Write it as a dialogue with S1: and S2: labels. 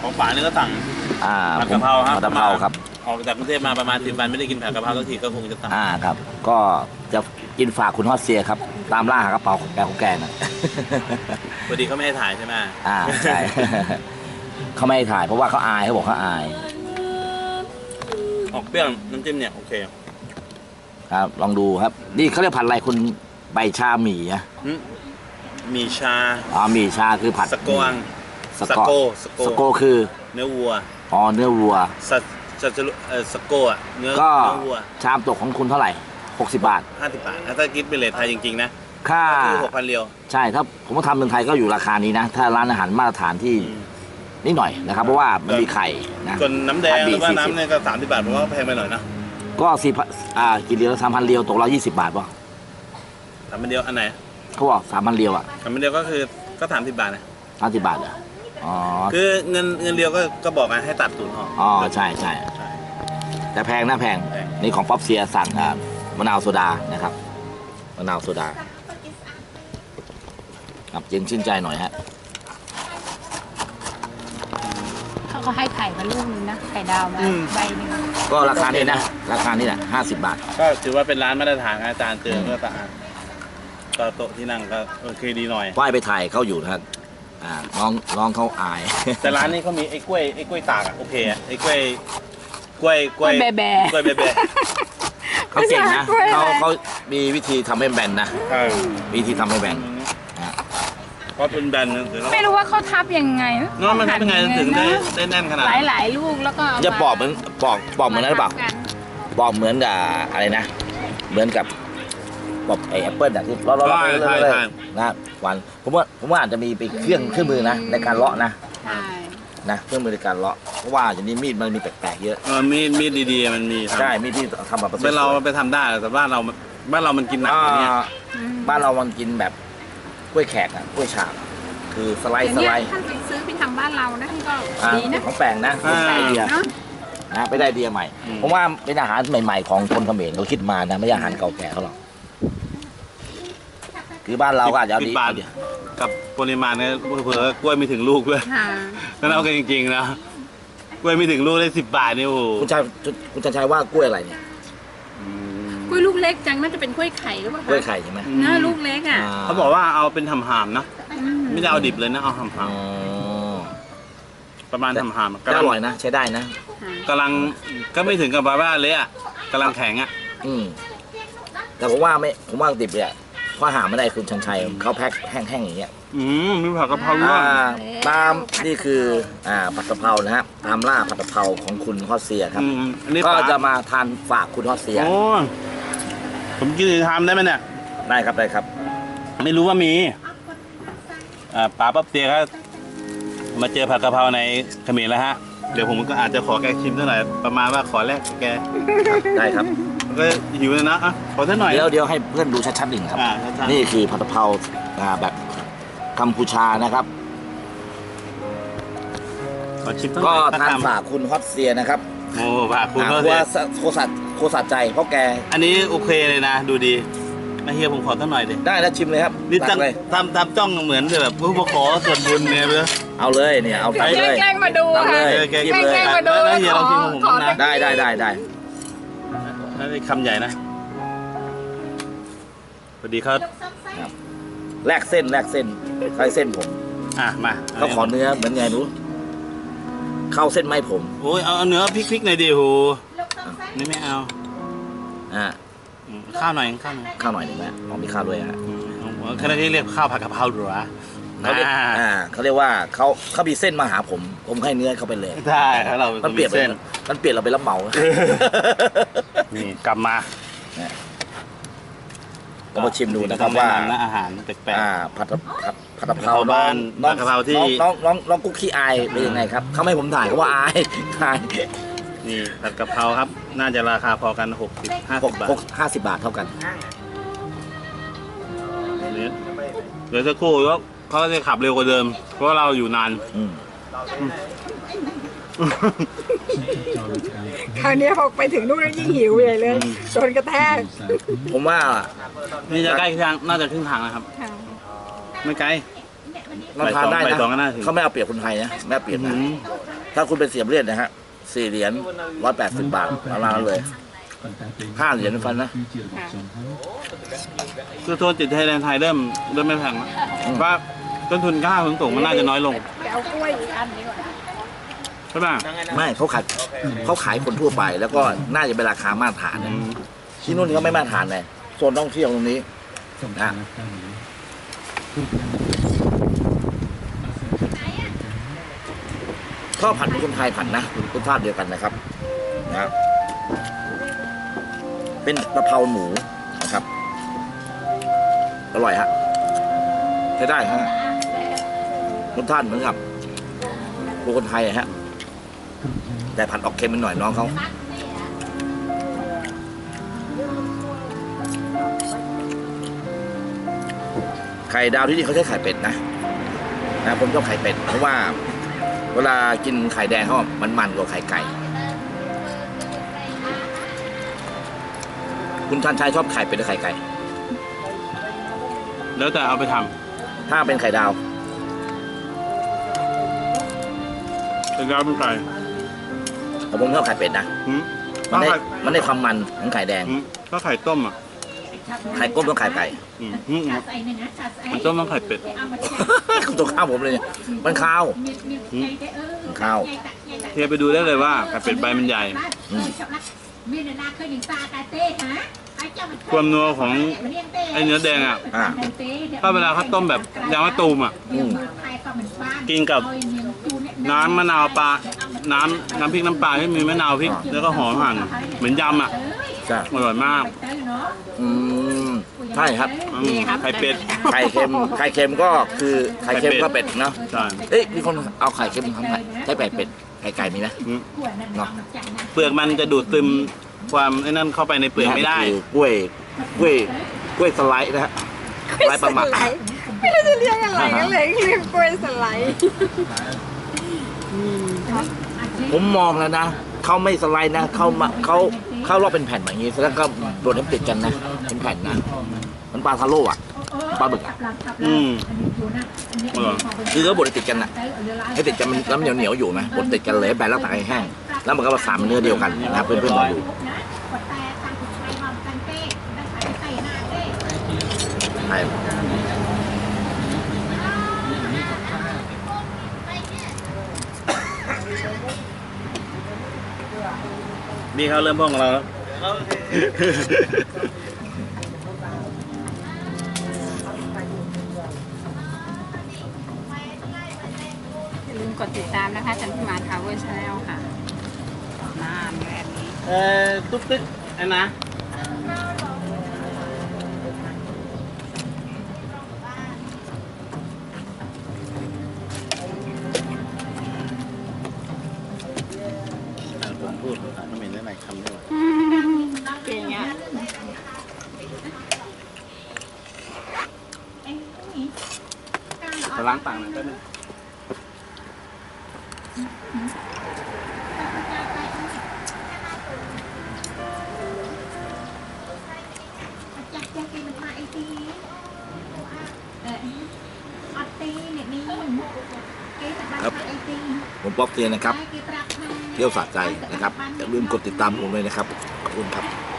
S1: ของป่านี่ก็สั่งผัดกะเพราครับ
S2: ผัดกะเพราครับ
S1: ออกจากกรุงเทพมาประมาณ10 วันไม่ได้กินผัดกะเพราสักทีก็คงจะสั่ง
S2: ครับก็จะกินฝากคุณฮอสเซียครับตามล่าหากระเป๋าของแกนะ
S1: พอดีเขาไม่ให้ถ่ายใช่ไหม
S2: ใช่เขาไม่ให้ถ่ายเพราะว่าเขาอายเขาบอกเขาอาย
S1: ออกเปรี้ยวน้ำจิ้มเนี่ยโอเค
S2: ครับลองดูครับนี่เขาเรียกผัดอะไรคุณใบชาหมี่อะ
S1: หมี่ชา
S2: หมี่ชาคือผัด
S1: สโกงสโก
S2: คือ
S1: เนื้อวัว
S2: เนื้อวัว
S1: สโกอ่ะเนื้อวัว
S2: ชามตกของคุณเท่าไหร่60 บาท
S1: 50 บาทถ้าคิดเป็นเลทไทยจริงๆนะ
S2: ค่า
S1: 6,000 เรียว
S2: ใช่ถ้าผมว่าทำเมืองไทยก็อยู่ราคานี้นะถ้าร้านอาหารมาตรฐานที่นิดหน่อยนะครับเพราะว่ามันมีไข่นะ
S1: ส่วนน้ำแดงหรือว่าน้ำเนี่ยก็30 บาทผมว่าแพงไปหน่อยนะ
S2: ก็กี่เรียว3,000 เรียวตก120 บาทป่ะ
S1: 3,000 เรียวอันไหน
S2: เขาบอก3,000 เรียว
S1: 3,000 เรียวก็คือก็30 บาทนะ
S2: 30 บาทเหรอ
S1: คือเงินเรียวก็บอกไงให้ตัดศูนย์ออก
S2: ใช่แต่แพงนะแพงนี่ของป๊อปเซียสั่งมะนาวโซดานะครับมะนาวโซดาครับเย็นชื่นใจหน่อยฮะ
S3: เขาให้ไข่มาลูกนึงนะไข่ดาวมาใบนึง
S2: ก็ราคานี้นะราคานี้แหละ50 บาท
S1: ก็ถือว่าเป็นร้านมาตรฐานอาจารย์เจอก็สะอาดก็โต๊ะที่นั่งก็โอเคดีหน่อย
S2: ป้ายไปถ่ายเขาอยู่นะครับน้องเขาอาย
S1: แต่ร้านนี้เขามีไอ้กล้วยตากโอเคไอ้กล้วย
S3: แบ
S2: เขาเก่งนะเขามีวิธีทำให้แบนนะวิธีทำให้แบน
S1: เพราะเป็นแบน
S3: ไม่รู้ว่าเขาทับยังไง
S1: น้องมันทับยังไงถึงได้แน่นขนาด
S3: หลายลูกแล้วก็
S2: จะปอกเหมือนนั้นหรือเปล่าปอกเหมือนกับอะไรนะเหมือนกับปอกไอ้แอปเปิ้ลที่เลาะเลยนะวันผมว่าอาจจะมีไปเครื่องมือนะในการเลาะนะเครื่องมือในการเลาะเพราะว่าอย่างนี้มีดมันมีแปลกๆเยอะ
S1: มีดดีๆมันมี
S2: ใช่มีดที่ทำแบบ
S1: เป็นเราไปทำได้แต่บ้านเรามันกินหนักอย่างเงี้ย
S2: บ้านเรามันกินแบบกล้วยแขกกล้วยฉาบคือสไลด์
S3: ท่านไปซื้อไปทำบ้านเรานะก็ดีนะ
S2: ของแปลงนะไอเดียไปได้ไอเดียใหม่ผมว่าเป็นอาหารใหม่ๆของคนเขมรเขาคิดมานะไม่ใช่อาหารเก่าแก่เขาหรอกคือบ้านเราก็อาจจะดี
S1: กับปริมาณเนี่ยเผื่อกล้วยไม่ถึงลูกด้วยถ้าเอากันจริงๆนะกล้วยไม่ถึงลูกได้10 บาทนี่โอ้
S2: คุณชัยว่ากล้วยอะไรเนี่ย
S3: กล้วยลูกเล็กจังน่าจะเป็นกล้วยไข่หรือเปล่าก
S2: ล้วยไข่ใช่ไหม
S3: นะลูกเล็ก
S1: เขาบอกว่าเอาเป็นหำๆนะไม่ได้เอาดิบเลยนะเอาหำๆประมาณหำๆ
S2: ก็อร่อยนะใช้ได้นะ
S1: กำลังก็ไม่ถึงกับบาบ้าเลยกำลังแข็ง
S2: แต่ผมว่าดิบเนี่ยข้อหาไม่ได้คุณชันชัยเขาแพ็คแห้งๆอย่างเงี้ย
S1: มีผัดกะเพราด้วย
S2: ตามนี่คือผัดกะเพรานะฮะตามล่าผัดกะเพราของคุณฮอสเซียครับก็จะมาทานฝากคุณฮอสเซีย
S1: ผมกินทำได้ไหมเนี่ย
S2: ได้ครับ
S1: ไม่รู้ว่ามีป๋าป๊อปเซียครับมาเจอผัดกะเพราในเขมรแล้วฮะเดี๋ยวผมก็อาจจะขอแกชิมสักหน่อยประมาณว่าขอแลกแก
S2: ได้ครับ
S1: ก็หิวเลยนะขอสักหน่อย
S2: เดี๋ยวให้เพื่อนดูชัดๆหนึ่งครับนี่คือผัดกะเพราแบบกัมพูชานะครับก็ทานฝากคุณฮอตเซียนะครับ
S1: โอ้ฝากคุณ
S2: โคสัตใจเพราะแก
S1: อันนี้โอเคเลยนะดูดีเฮียผมขอสักหน่อยดิ
S2: ได้แล้วชิมเลยครับ
S1: นี่ทำจ้องเหมือนแบบผู้ขอส่วนบุญเนี่ยเพื่อ
S2: เอาเลยเนี่ยเอาไปเลย
S3: แกล้งมาดู
S2: เอาเลย
S3: แกล้งมาดู
S1: เฮียลองชิมผมนะ
S2: ได้
S1: คำใหญ่นะสวัสดีครับ
S2: แลกเส้นใช้เส้นผม
S1: มา
S2: เขาขอเนื้อเหมือนไงรู้เข้าเส้นไม่ผม
S1: โอ้ยเอาเนื้อพริกหน่อยดิโหนี่ไม่เอาข้าวหน่อย
S2: หนึ่งไหมมีข้าวด้วยฮะ
S1: เขาเรียกข้าวผัดกะเพราหรือวะ
S2: เขาเรียกว่าเขามีเส้นมาหาผมให้เนื้อเขาไปเลย
S1: ใช่เรา
S2: มันเปลี่ยนเราไปรับเหมา
S1: นี่กลับมา
S2: ก็มาชิมดูนะครับว่า
S1: อาหารแปลก
S2: ๆผัดกะเพราบ้าน
S1: กะเพราที่
S2: น้องกุ๊กขี้อายเป็นยังไงครับเขาไม่ผมถ่ายเขาว่าอาย
S1: นี่ผัดกะเพราครับน่าจะราคาพอกัน50 บาท
S2: 50 บาทเท่ากัน
S1: เดี๋ยวสักครู่แล้วเขาจะขับเร็วกว่าเดิมเพราะเราอยู่นาน
S3: คราวนี้พอไปถึงนู่นแล้วยิ่งหิวใหญ่เลยโดนกระแทก
S2: ผมว่า
S1: นี่จะใกล้ทางน่าจะครึ่งทางนะครับไม่ไกล
S2: เราทานได้นะเขาไม่เอาเปรียบคนไทยนะไม่เอาเปรียบนะถ้าคุณเป็น4 เหรียญนะฮะ4 เหรียญ180 บาทประมาณนั้นเลย5 เหรียญฟันนะ
S1: คือโซนติดไทยแลนด์ไทยเริ่มไม่แพงแล้วเพราะต้นทุนค่าขนส่งมันน่าจะน้อยลง
S3: เอากล้วยอีกอันนี้ก่อน
S1: ใช่ป่ะ
S2: ไม่เขาขายคนทั่วไป แล้วก็น่าจะเป็นราคามาตรฐานนะที่นู่นเขาไม่มาตรฐานเลยโซนท่องเที่ยวตรงนี้นะข้าวผัดเป็นคนไทยผัดนะรสชาติเดียวกันนะครับนะเป็นกะเพราหมูนะครับอร่อยฮะใช้ได้ฮะรสชาติเหมือนกับคนไทยฮะแต่ผัดออกเค็มเป็นหน่อยน้องเขาไข่ดาวที่นี่เขาใช้ไข่เป็ดนะผมชอบไข่เป็ดเพราะว่าเวลากินไข่แดงเขามันกว่าไข่ไก่คุณชันชัยชอบไข่เป็ดหรือไข่ไก่
S1: แล้วแต่เอาไปทำ
S2: ถ้าเป็นไข่ดาว
S1: เป็นดาวเป็นไก่
S2: ผมชอบไข่เป็ดนะ
S1: หืม
S2: มันได้ความมันของไข่แดง
S1: ก็ไข่ต้มอ่ะ
S2: ไข่ก้มต้องไข่ไก่
S1: มันต้มต้องไข่เป็ด
S2: คุณตัวข้าวผมเลยเนี่ยมันข้าวข้าว
S1: เทียบไปดูได้เลยว่าไข่เป็ดใบมันใหญ่ ความนัวของไอเนื้อแดงอ่ะ ถ้าเวลาเขาต้มแบบยางมะตูมอ่ะ กินกับน้ำมะนาวปลา น้ำพริกน้ำปลาที่มีมะนาวพริกแล้วก็หอมหั่นเหมือนยำอ่ะ
S2: ใช่
S1: อร่อยมาก
S2: ใช่ครับ
S1: ไข่เป็ด
S2: ไข่เค็มก็คือไข่เค็มก็เป็ดเนาะ
S1: ใช่
S2: เอ๊ะมีคนเอาไข่เค็มทำไข่ใช้ไข่เป็ดไข่ไก่มีไหมเนาะ
S1: เปลือกมันจะดูดซึมความไอ้นั่นเข้าไปในเปลือกไม่ได้
S2: คือกล้วยสไลด์นะฮะสไลด์ปลาหมัก
S4: ไม่รู้จะเรียกอะไรก็เลยเรียกกล้วยสไลด์
S2: ผมมองแล้วนะเขาไม่สไลด์นะเขาลอกเป็นแผ่นแบบนี้แล้วก็โดนน้ำติดกันนะเป็นแผ่นนะมันปลาทาโร่อะปลาบึกอะ
S1: อร่อย
S2: คือเขาบดให้ติดกันอะให้ติดกันมันแล้วมันเหนียวอยู่ไหมบดติดกันเลยให้แบนแล้วตักให้แห้งแล้วมันก็มาสามเนื้อเดียวกันนะเพื่อนๆลองดูใช่
S1: มีเขาเริ่มพ่องกับเราแล้ว
S3: อย่าลืมกดติดตามนะคะจันทิมาทาวเวอร์ชาแนลค่ะนานแบบนี้
S1: ตุ๊กตึ๊กไอ้นะผมพูดภาษาเขมรได้หลายคำด้วย
S3: เก่งอ่ะ
S1: จะล้างปากหน่อยแป๊บนึง
S2: ครับผมป๊อกเตียนนะครับเที่ยวสะใจนะครับอย่าลืมกดติดตามผมเลยนะครับขอบคุณครับ